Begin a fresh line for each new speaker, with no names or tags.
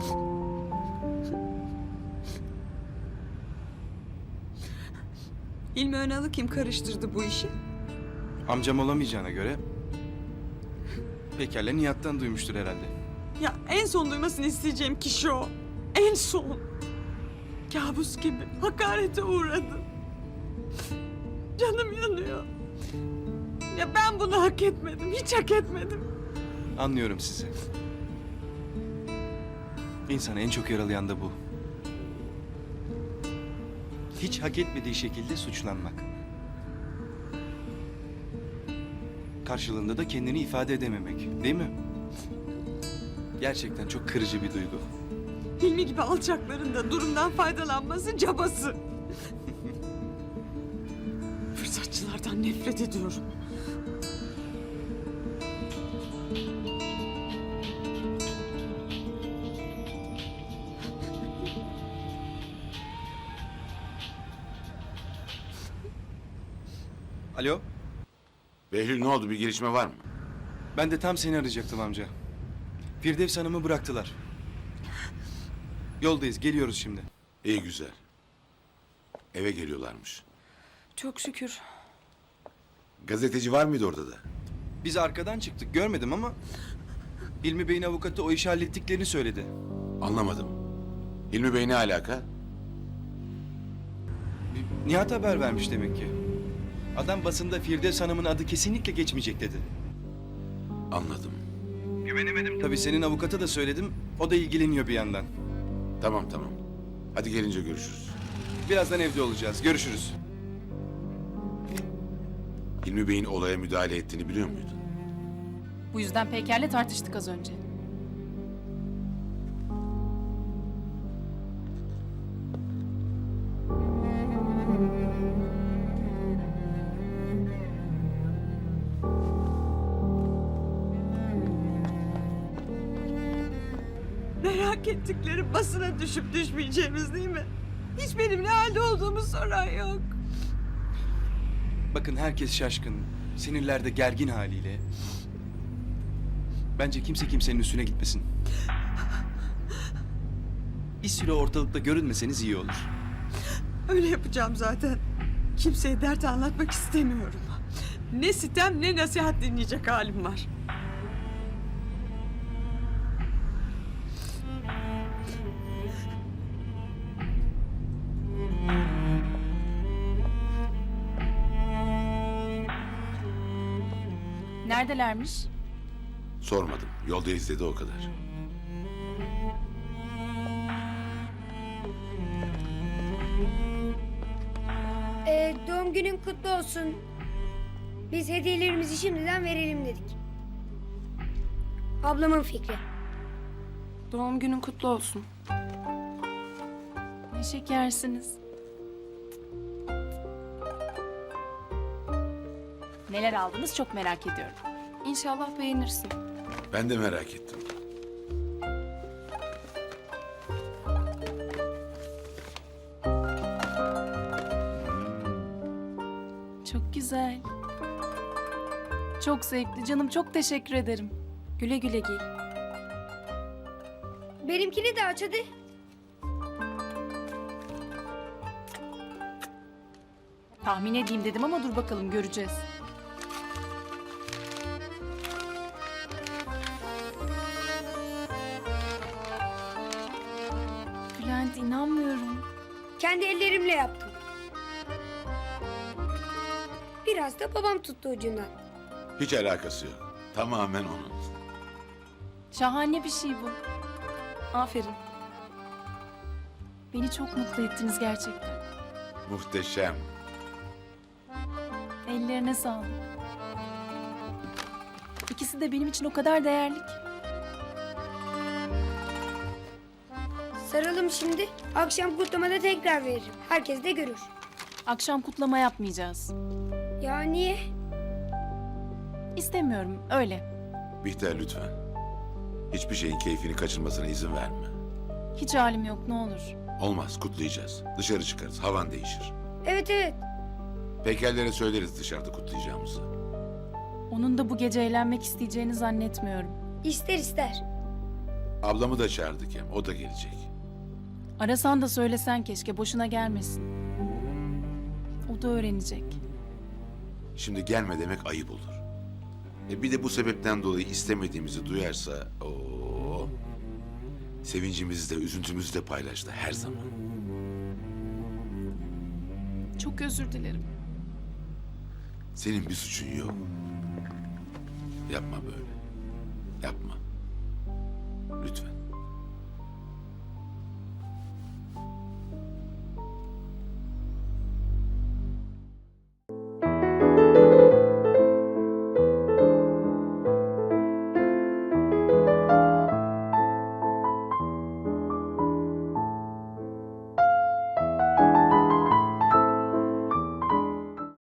İlmi Önal'ı kim karıştırdı bu işi?
Amcam olamayacağına göre Peker'le Nihat'tan duymuştur herhalde.
Ya en son duymasını isteyeceğim kişi o. En son. Kabus gibi hakarete uğradım. Canım yanıyor. Ya ben bunu hak etmedim, hiç hak etmedim.
Anlıyorum sizi. İnsanı en çok yaralayan da bu. Hiç hak etmediği şekilde suçlanmak. Karşılığında da kendini ifade edememek, değil mi? Gerçekten çok kırıcı bir duygu.
Hilmi gibi alçakların da durumdan faydalanması cabası. Fırsatçılardan nefret ediyorum.
Alo,
Behlül ne oldu? Bir gelişme var mı?
ben de tam seni arayacaktım amca. Firdevs Hanım'ı bıraktılar. Yoldayız, geliyoruz şimdi.
İyi güzel. Eve geliyorlarmış.
Çok şükür.
Gazeteci var mıydı orada da?
Biz arkadan çıktık, görmedim ama... Hilmi Bey'in avukatı o işi hallettiklerini söyledi.
Anlamadım. Hilmi Bey ne alaka?
Nihat haber vermiş demek ki. Adam basında Firdevs Hanım'ın adı kesinlikle geçmeyecek dedi.
Anladım.
Güvenemedim. Tabii senin avukata da söyledim. O da ilgileniyor bir yandan.
Tamam. Hadi gelince görüşürüz.
Birazdan evde olacağız. Görüşürüz.
Hilmi Bey'in olaya müdahale ettiğini biliyor muydun?
Bu yüzden Peker'le tartıştık az önce.
Merak ettikleri basına düşüp düşmeyeceğimiz değil mi? Hiç benim ne halde olduğumu soran yok.
Bakın herkes şaşkın. Sinirlerde gergin haliyle. Bence kimse kimsenin üstüne gitmesin. Bir süre ortalıkta görünmeseniz iyi olur.
Öyle yapacağım zaten. Kimseye dert anlatmak istemiyorum. Ne sitem ne nasihat dinleyecek halim var.
Neredelermiş?
Sormadım. Yolda izledi o kadar.
Doğum günün kutlu olsun. Biz hediyelerimizi şimdiden verelim dedik. Ablamın fikri.
Doğum günün kutlu olsun.
Ne şekersiniz. Neler aldınız çok merak ediyorum.
İnşallah beğenirsin.
Ben de merak ettim.
Çok güzel. Çok zevkli canım, çok teşekkür ederim.
Güle güle giy.
Benimkini de aç hadi.
Tahmin edeyim dedim ama dur bakalım göreceğiz. Bülent inanmıyorum.
Kendi ellerimle yaptım. Biraz da babam tuttu ucundan.
Hiç alakası yok. Tamamen onun.
Şahane bir şey bu.
Aferin.
Beni çok mutlu ettiniz gerçekten.
Muhteşem.
Ellerine sağlık. İkisi de benim için o kadar değerli ki.
Saralım şimdi. Akşam kutlamada tekrar veririm. Herkes de görür.
Akşam kutlama yapmayacağız.
Ya niye?
İstemiyorum, öyle.
Bihter lütfen. Hiçbir şeyin keyfini kaçırmasına izin verme.
Hiç halim yok, ne olur.
Olmaz, kutlayacağız. Dışarı çıkarız, havan değişir.
Evet.
Pekerlere söyleriz dışarıda kutlayacağımızı.
Onun da bu gece eğlenmek isteyeceğini zannetmiyorum.
İster.
Ablamı da çağırdık hem. O da gelecek.
Arasan da söylesen keşke, boşuna gelmesin. O da öğrenecek.
Şimdi gelme demek ayıp olur. Bir de bu sebepten dolayı istemediğimizi duyarsa... Oo, sevincimizi de üzüntümüzü de paylaştı her zaman.
Çok özür dilerim.
Senin bir suçun yok. Yapma böyle. Yapma.